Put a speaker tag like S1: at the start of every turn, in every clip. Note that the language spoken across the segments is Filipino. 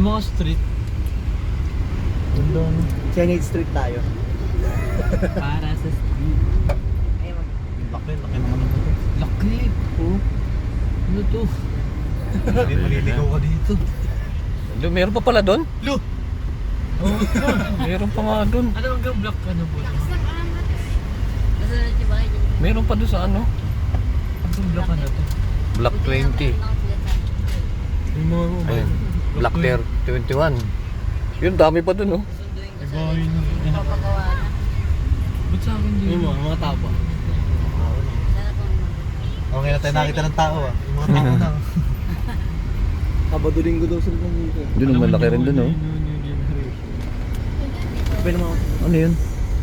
S1: mga street.
S2: Ganda no.
S3: Senate Street tayo.
S1: Para sa street.
S3: Ayun.
S2: Laki naman ng ito.
S1: Laki. Oh. Ano to?
S2: Maliligaw ka dito.
S4: Meron pa pala doon?
S2: Lo!
S1: Oh,
S4: Meron pa nga doon.
S1: ano hanggang block ano po?
S4: Meron pa doon sa ano?
S1: Hanggang block ano to?
S4: Block 20.
S1: Yung mga
S4: Ayun. Block 21. Yun, dami pa doon, oh.
S2: Iba yun.
S1: Ba't sa akin din?
S3: Yung mga tapa.
S2: Okay na tayo nakita ng tao ah. Yung mga tao na.
S3: Sabado linggo daw sila dito.
S4: Doon naman laki rin doon, oh.
S3: Sabi naman ako.
S4: Ano yun?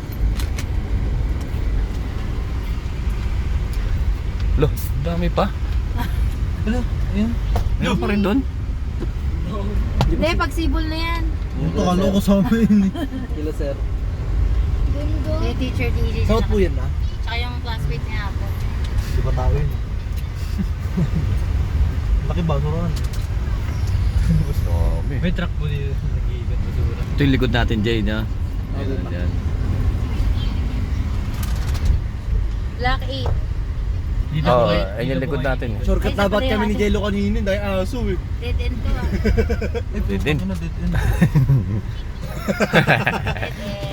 S4: Lo, dami pa.
S1: Ano? Ayun.
S4: Meron pa rin doon.
S5: Hindi, pagsibol na yan.
S2: Ito kalo ko sa amin.
S3: Kila sir.
S5: Yung teacher DJ.
S3: Saan po yan na?
S5: Tsaka yung classmate niya po.
S2: Di ba tao yun? Laki ba? Suruan.
S4: Dami.
S1: May truck po dito. Nag-iigat basura.
S4: Ito yung likod natin, Jay, na. Ayan, yan.
S5: Block 8.
S1: Dito
S4: Oo,
S1: po kayo.
S4: ayun yung
S1: Dito po
S4: likod
S1: kayo.
S4: natin.
S3: Shortcut
S5: Ay,
S3: dapat
S5: sa
S3: kami ni
S5: pareho.
S3: Jello kanina dahil aso eh.
S5: Dead end to ah.
S2: Eh,
S4: Dead end.
S2: ano, dead end.
S5: Dead end.